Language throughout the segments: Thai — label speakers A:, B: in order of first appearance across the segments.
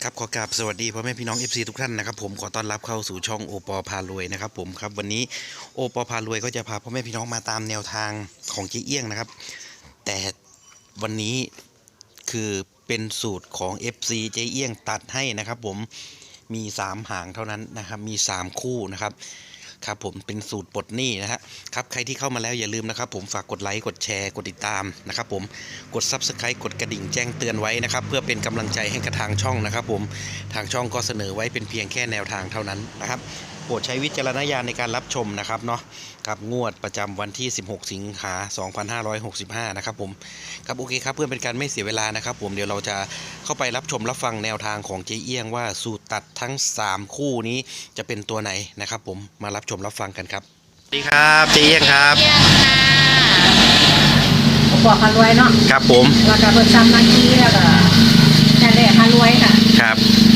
A: ครับขอกราบสวัสดีพ่อแม่พี่น้อง FC ทุกท่านนะครับผมขอต้อนรับเข้าสู่ช่องโอปอพารวยนะครับผมครับวันนี้โอปอพารวยก็จะพาพ่อแม่พี่น้องมาตามแนวทางของเจ๊เอี้ยงนะครับแต่วันนี้คือเป็นสูตรของ FC เจ๊เอี้ยงตัดให้นะครับผมมี3หางเท่านั้นนะครับมี3คู่นะครับครับผมเป็นสูตรปลดหนี้นะฮะครับใครที่เข้ามาแล้วอย่าลืมนะครับผมฝากกดไลค์กดแชร์กดติดตามนะครับผมกด Subscribe กดกระดิ่งแจ้งเตือนไว้นะครับเพื่อเป็นกำลังใจให้กับทางช่องนะครับผมทางช่องก็เสนอไว้เป็นเพียงแค่แนวทางเท่านั้นนะครับโปรดใช้วิจารณญาณในการรับชมนะครับเนาะครับงวดประจำวันที่16สิงหาคม2565นะครับผมครับโอเคครับเพื่อเป็นการไม่เสียเวลานะครับผมเดี๋ยวเราจะเข้าไปรับชมรับฟังแนวทางของเจ๊เอี้ยงว่าสูตรตัดทั้ง3คู่นี้จะเป็นตัวไหนนะครับผมมารับชมรับฟังกันครับสวัสดีครับเจ๊เอี้ยงครับ
B: เยี่ยมค่ะ
C: ผมบอกพารวยเนาะ
A: ครับผม
C: แล้วก็เบิดซ้ำมากี้แล้วก็นั่นแหละพารวยค่ะ
A: ครับ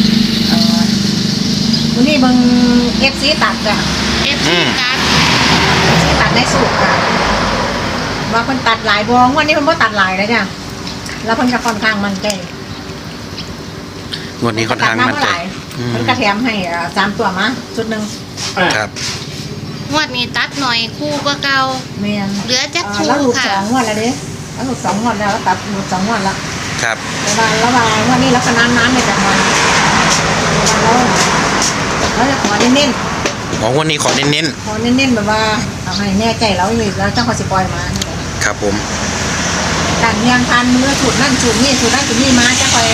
C: วันนี้เบิ่งเอฟซีตัดจ้ะ
B: เอฟซีการ์ด
C: ซีตัดในสูตรค่ะว่าเพิ่นตัดหลายบองวันนี้เพิ่นบ่ตัดหลายแล้วจ้ะแล้วเพิ่นก็ค่อนข้างมั่นใจ
A: งวดนี้ค่อนข้างมั่นใจ
C: เพิ่นก็แถมให้3ตัวมาชุดหนึง
A: ครับ
B: งวดนี้ตัดหน่อยคู่ก็เก่า
C: แม่น
B: เหลือจักคู่
C: แล้วหลุด
B: ค่ะ
C: 2งวดแล้วเด้แล้วหลุด2งวดแล้วตัดหลุด2งวดแล้ว
A: ครับ
C: แต่ว่าระหว่างวันนี้แล้วก็นานๆในแต่วันแล้วจะขอเน้นๆ
A: ของวันนี้ขอเน้น
C: พอเน้นๆแบบว่าเอาให้แน่ใจแล้วเลยแล้วเจ้าเขาสิปล่อยมา
A: ๆครับผม
C: การเมียงพันมือสูตรนั่นสูตรนี่สูตรนั่นสูตรนี่มาจะคอย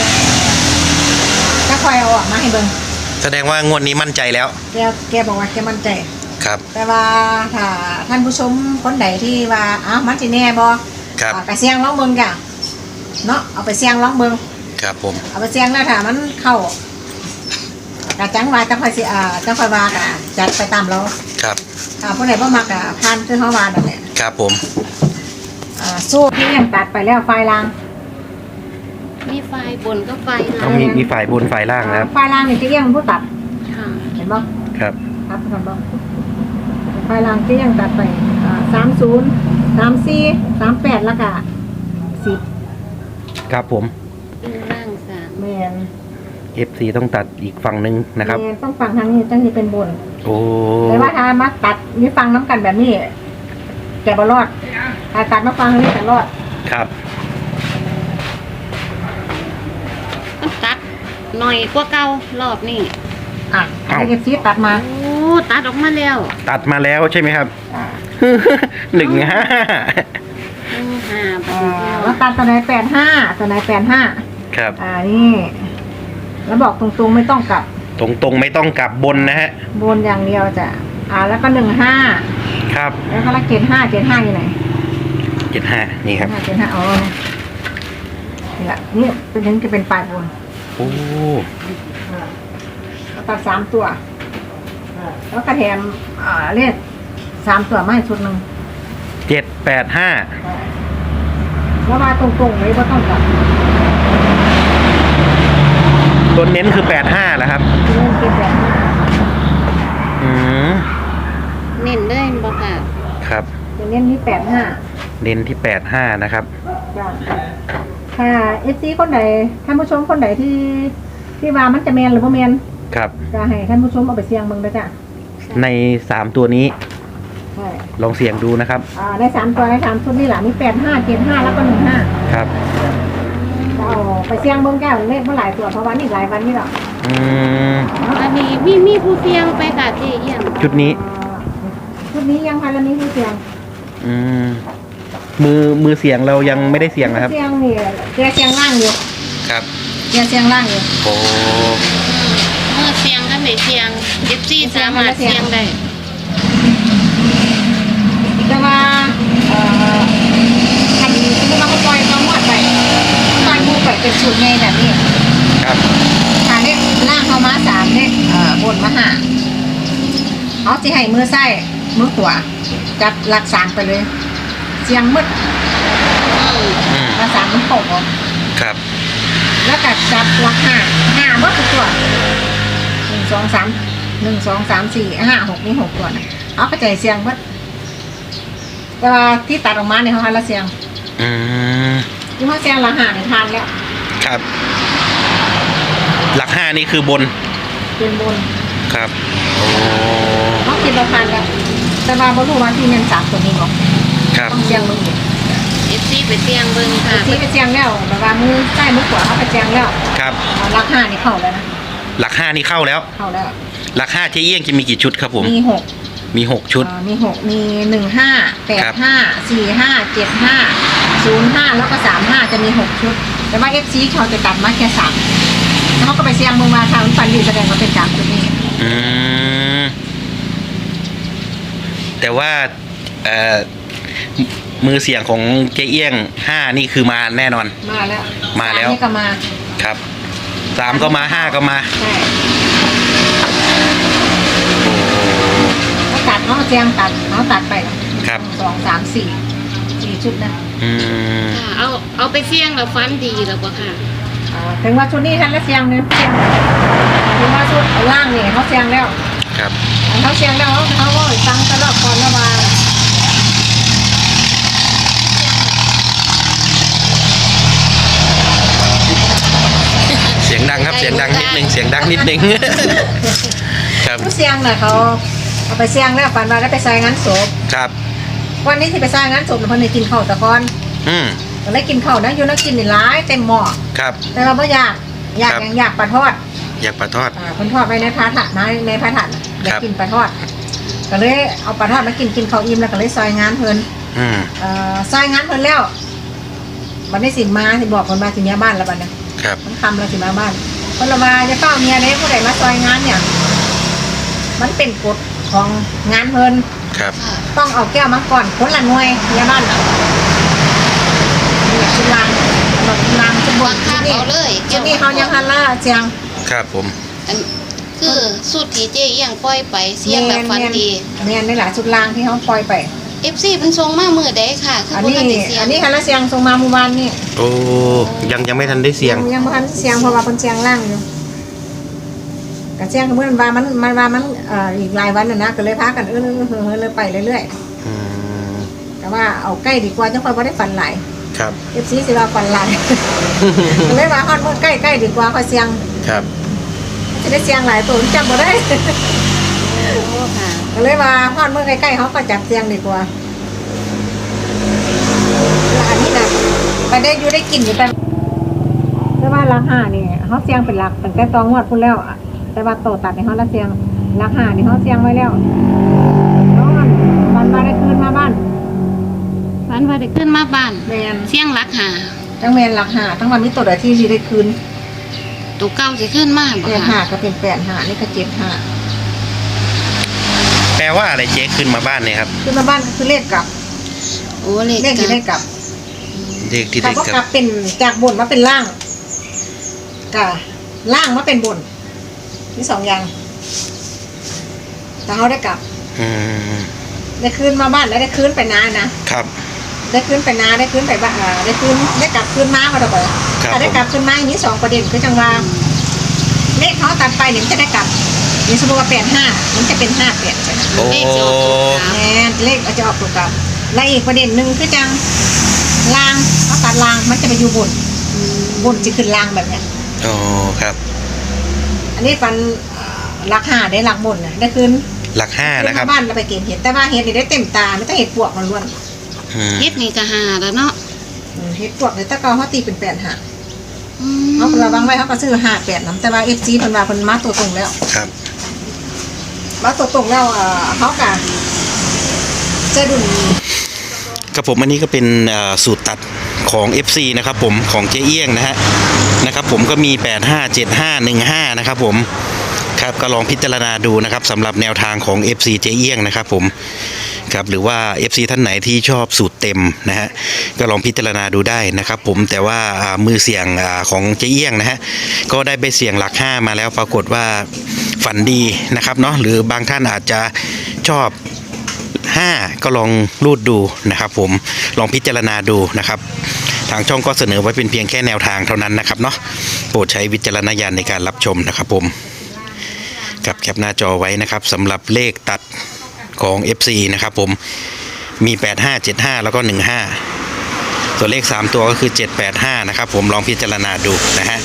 C: เอาออกมาให้เบิ่ง
A: แสดงว่างวดนี้มั่นใจแล้ว
C: แกบอกว่าแกมั่นใจ
A: ครับ
C: แต่ว่าถ้าท่านผู้ชมคนใดที่ว่ามันสิแน่บ่
A: ครับ
C: ไปเสี่ยงลองเบิ่งจ้ะเนาะเอาไปเสี่ยงลองเบิ่ง
A: ครับผม
C: เอาไปเสี่ยงแล้วถ้ามันเข้ากะจังว่าจังค่อยสิจังค่อยว่ากะจัดไปตามเรา
A: ครับ
C: ผู้ใดบ่มักกะผ่านคือเฮาว่านั่นแหละ
A: ครับผม
C: สู้ที่ยังตัดไปแล้วไฟลาง
B: มีไฟบนก็ไฟ
A: ต้องมีฝ่ายบนฝ่ายล่างนะครับ
C: ไฟลางนี่จะเรียงผู้ตัด
B: ค่ะ
C: เห็นบ่
A: ครับ
C: ครับเห็นบ่ไฟลางจะยังตัดไป30 34 38แล้วก็10
A: ครับผม
B: เป็นร่างสาม
C: แม่น
A: FC ต้องตัดอีกฝั่งหนึ่งนะครับ
C: แม่นต้องฟังทางนี้จังสิเป็นบน
A: โอ้
C: แต่ว่าถ้ามาตัดมีฟังน้ำกันแบบนี้แกบ่รอดถ้าตัดมาฟังนี่จะรอด
A: ครับ
B: มันตัดหน่อยกว่าเก่ารอบนี้
C: ให้เก็บซีตัดมา
B: โอ้ตัดออกมาแล้ว
A: ตัดมาแล้วใช่ไหมครับ
C: อ่า
A: 15
B: 5
C: แล้วตัดตัวไหน85ตัวไหน85
A: ครับ
C: นี่แล้วบอกตรงๆไม่ต้องกลับ
A: ตรงๆไม่ต้องกลับบนนะฮะ
C: บนอย่างเดียวจ้ะแล้วก็15
A: ครับ
C: แล้วก็ละเกณฑ์5อยู่ไหน
A: 75นี่ครับ
C: เกณฑ์5อ๋อนี่แหละนี่เป็นถึงจะเป็นปลายบน
A: โอ้
C: แล้วตัด3ตัวแล้วก็แถมเลข3ตัวมาให้ชุดหนึง
A: 785
C: แล้วมาตรงๆเลยว่าต้องกลับ
A: ตัวเน้นคือ85แล้วครับ
C: เล่นเกมแบบ
A: อืม
B: เน้นเลยบ่ค่ะ
A: ครับ
C: จะเล่นที่85
A: เน้นที่85นะครับ
C: จ้ะถ้าFC คนใดท่านผู้ชมคนใดที่ว่ามันจะแมนหรือบ่แมน
A: ครับ
C: ก็ให้ท่านผู้ชมเอาไปเสี่ยงเบิ่งเด้อจ้ะ
A: ใน3ตัวนี้
C: ใช่
A: ลองเสี่ยงดูนะครับ
C: ได้3ตัวได้3ชุดนี่แหละมี85 75แล้วก็15
A: ครับ
C: จะเอาไปเสี่ยงเบิ่งแก้วเลขเมื่อหลายตัวเพราะว่านี่หลายวันนี่หรอก
A: อืม
B: อันนี้มีผู้เสี่ยงไปค่ะเจ๊เยี่ยม
A: ชุดนี้
C: ชุดนี้ยังพันละนี้คือเสี่ยง
A: อืมมือเสียงเรายังไม่ได้เสียงนะครับ
C: เสี่ยงนี่แกเสี่ยงล่างอยู่
A: ครับ
C: แกเสี่ยงล่างอยู่
A: โอ้
B: เมื่อเสี่ยงก็ไม่เสี่ยง FC สามารถเสี่ยงได้
C: แต่ว่าคันสมมุติว่าเขาปล่อยเขาหมดไปปล่อยหมูไปเป็นสูตรใหญ่แบบนี้
A: ครับ
C: ถ้าเลขล่างเขามา3เลขบนมา5เอาสิให้มือซ้ายมือขวาจับหลัก3ไปเลย เสียงมืด
A: อืม
C: หลัก3มันตกออก
A: ครับ
C: แล้วก็จับหลัก5หมดทุกตัว1 2 3 1 2 3 4 5 6นี่6ตัวนะเอาเข้าใจเสียงมืดแต่ว่าที่ตัดออกมาเนี่ยเขาให้ละเสียง
A: อืม
C: ที่เขาเสียงละ5เนี่ยทานแล้ว
A: ครับหลัก5นี่คือบน
C: เป็นบน
A: ครับโอ้
C: เขาคิดเราผ่านแล้วแต่ว่าบ่รู้ว่าที่เงิน3ตัวนี้บอก
A: ครับ
C: ต้องเสียงมึงอีก
B: FC ไปเสี่ยงเบิ่งค่ะ
C: ที่ไปเสียงแล้วแบบว่ามือใต้มือขวาเขาไปเสียงแล้ว
A: ครับ
C: ราคานี่เข้าแล้วนะ
A: หลัก5นี่เข้าแล้ว
C: เข้าแล้ว
A: หลัก5เจ๊เอี้ยงจะมีกี่ชุดครับผม
C: มี6
A: มี6ชุด
C: มี6มี15 85 45 75 05แล้วก็35จะมี6ชุดแต่ว่า FC เขาจะตัดมาแค่3แล้วเขาก็ไปเสียงมึงมาทางฟันดีแสดงว่าเป็น3ตัวนี้
A: อืมแต่ว่ามือเสียงของเจ๊เอี้ยง5นี่คือมาแน่นอน
C: มาแล้ว
A: มาแล้ว
C: 3นี่ก็มา
A: ครับ3ก็มา5ก็มา
C: ใช่เขาตัดเขาเสียงตัดเขาตัดไป
A: ครับ
C: 2 3 4ชุดนะ
A: อืม
B: ค่ะเอาไปเสี่ยงแล้วฟันดีแล้วบ่ค่ะ
C: ถึงว่าชุดนี้ท่านละเสียงเนี่ยเสียงถึงว่าชุดล่างนี่เขาเสียงแล้ว
A: ครับ
C: เขาเสียงแล้วเขาก็ตั้งตลอดก่อนแล้วมา
A: เสียงดังครับเสียงดังนิดนึงเสียงดังนิดนึง ครับ
C: เขาเสียงน่ะเขาเอาไปเสียงแล้วปันมาแล้วไปใส่งานศพ
A: ครับ
C: วันนี้ที่ไปใส่งานศพเพิ่นได้กินข้าวตะกอน
A: อืม
C: ก็เลยกินข้าวนะอยู่นักกินนี่หลายเต็มหม้อ
A: ครับ
C: แต่ว่าบ่อยากอยาก
A: ครับ
C: อย่างอยากปลาทอด
A: อยากปลาทอด
C: เพิ่นทอดไว้ในพระถาดนะในพระถาดอยา
A: ครั
C: ก
A: บ
C: กินปลาทอด ก็เลยเอาปลาทอดมากินข้าวอิ่มแล้วก็เลยซอยงานเพิ่น
A: อืม
C: ซอยงานเพิ่นแล้วบัดนี้สิมาสิบอกเพิ่นมาสิเมียบ้านแล้วบัดนี้
A: ครับ
C: มันคำแล้วสิมาบ้านเพิ่นละว่าจะเฝ้าเมียเด้ผู้ใดมาซอยงานเนี่ย มันเป็นกฎของงานเพิ่น
A: ครับ
C: ต้องเอาแก้วมาก่อนคนละหน่วยเมียบ้านน่ะนี่ชุดลางสำหรับชุดลางชุดบ
B: วาน งข้าง
C: นี่
B: เอาเลย
C: ชุดนี้เขายังฮันล่าเจียง
A: ครับผม
B: อันคือสุดที่เจ๊เอี้ยงปล่อยไปเสี่ยงแล้วฟันดี
C: เนียนนี่แหละชุดลางที่เขาปล่อยไป
B: FC เพิ่นส่งมามื้อใดค่ะคือ
C: อัน
B: บ่
C: นี้
B: ทันได้เสี่ยง
C: อันนี้ฮันล่าเจียงส่งมาเมื่อวานนี่
A: โอ้ยังไม่ทันได้เสียง
C: ยังบ่ทันเสียงเพราะว่าเพิ่นเสียงล่างอยู่กะเสียงก็เหมือนว่ามันอีกหลายวันน่ะนะก็เลยพากันเลยไปเรื่อย
A: อืม
C: ๆแต่ว่าเอาใกล้ดีกว่าจังค่อยบ่ได้ฝันหลาย
A: ครับ
C: FC สิว่าฝันหลาย ก็เลยว่าฮอดมื้อใกล้ๆดีกว่าค่อยเสียง
A: ครับ
C: สิได้เสียงหลายตัวจำบ่ได้
B: โอ้ค่ะ
C: ก็เลยว่าฮอดมื้อใกล้ๆเขาก็จับเสียงดีกว่าแล้วอันนี้น่ะไปได้อยู่ได้กินอยู่แต่ว่าราคานี่เขาเสียงเป็นหลักตั้งแต่ตองวดพุ่นแล้วอะแต่ว่าโตตัดในเขาละเสียงราคานี่เขาเสียงไว้แล้วน้องมันมาได้คืนมาบ้าน
B: ฟันว่าได้ขึ้นมาบ้าน
C: แมน
B: เสี่ยงหลักหา
C: ทั้งแมนหลักหาทั้งวันนี้ตัวใดที่สิได้คืน
B: ตัวเก่าสิขึ้นมาบ่
C: แปดหา
B: ค่ะ
C: ก็เป็น8 5นี่ก็7 5
A: แปลว่าอะไรเจ๊ขึ้นมาบ้านเนี่ยครับ
C: คืนมาบ้านก็คือเลขกลับ
B: โอ้เลข
C: เลขที่ได้กลับ
A: เลขที่
C: แต่
A: ได้
C: ว่าก
A: ค
C: ลั
A: รั
C: บบ เป็นจากบนมาเป็นล่างกะล่างมาเป็นบนนี่2อย่างแต่เขาได้กลับ
A: อืม
C: ได้คืนมาบ้านแล้วได้คืนไปนานะครับ ได้คืนไปนาได้คืนไปบ้านได้คืนได้กลับคืนมาก็ได้บ่
A: ครับ
C: ถ้าได้กลับคืนมาอย่างนี้2ประเด็นคือจังว่าเลขเขาตัดไปเนี่ยมันจะได้กลับนี่สมมติว่า85มันจะเป็น58ใช่ไหม
A: โอ้
B: เลขจะออกตัวกลาง
C: แม่นเลขจะออกตัวกลับและอีกประเด็นหนึ่งคือจังลางเขาตัดลางมันจะไปอยู่บนจะขึ้นลางแบบเนี้ย
A: โอ้ครับ
C: อันนี้ฟันหลัก5ได้หลักบนนะได้คืน
A: หลัก5นะครับ
C: มาบ้านเราไปเก็บเห็ดแต่ว่าเห็ดนี่ได้เต็มตาไม่ต้องเห็ดปวกมันล้วน
A: อืม
B: เฮ็ดนี่ก็หาแล้วเนาะ
C: เห็ดปวกเลยตะกอเขาตีเป็น8 5
B: อืม
C: เขาระวังไว้เขาก็ซื้อ58นํแต่ว่า FC เพิ่นว่าเพิ่นมาตัวตรงแล้ว
A: ครับ
C: มาตัวตรงแล้วเขาก็จะดุน
A: ครับผมอันนี้ก็เป็นสูตรตัดของ FC นะครับผมของเจ๊เอี้ยงนะครับผมก็มี857515นะครับผมครับก็ลองพิจารณาดูนะครับสำหรับแนวทางของ FC เจ๊เอี้ยงนะครับผมครับหรือว่า FC ท่านไหนที่ชอบสูตรเต็มนะฮะก็ลองพิจารณาดูได้นะครับผมแต่ว่ามือเสี่ยงของเจ๊เอี้ยงนะฮะก็ได้ไปเสี่ยงหลัก5มาแล้วปรากฏว่าฝันดีนะครับเนาะหรือบางท่านอาจจะชอบ5ก็ลองรูดดูนะครับผมลองพิจารณาดูนะครับทางช่องก็เสนอไว้เป็นเพียงแค่แนวทางเท่านั้นนะครับเนาะโปรดใช้วิจารณญาณในการรับชมนะครับผมกับแคปหน้าจอไว้นะครับสำหรับเลขตัดของ FC นะครับผมมี8575แล้วก็15ส่วนเลข3ตัวก็คือ785นะครับผมลองพิจารณาดูนะฮะ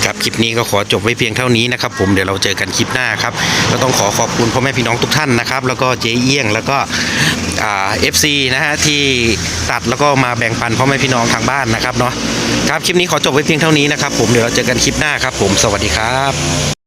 A: ครับคลิปนี้ก็ขอจบไว้เพียงเท่านี้นะครับผมเดี๋ยวเราเจอกันคลิปหน้าครับก็ต้องขอบคุณพ่อแม่พี่น้องทุกท่านนะครับแล้วก็เจ๊เอี้ยงแล้วก็FC นะฮะที่ตัดแล้วก็มาแบ่งปันพ่อแม่พี่น้องทางบ้านนะครับเนาะครับคลิปนี้ขอจบไว้เพียงเท่านี้นะครับผมเดี๋ยวเราเจอกันคลิปหน้าครับผมสวัสดีครับ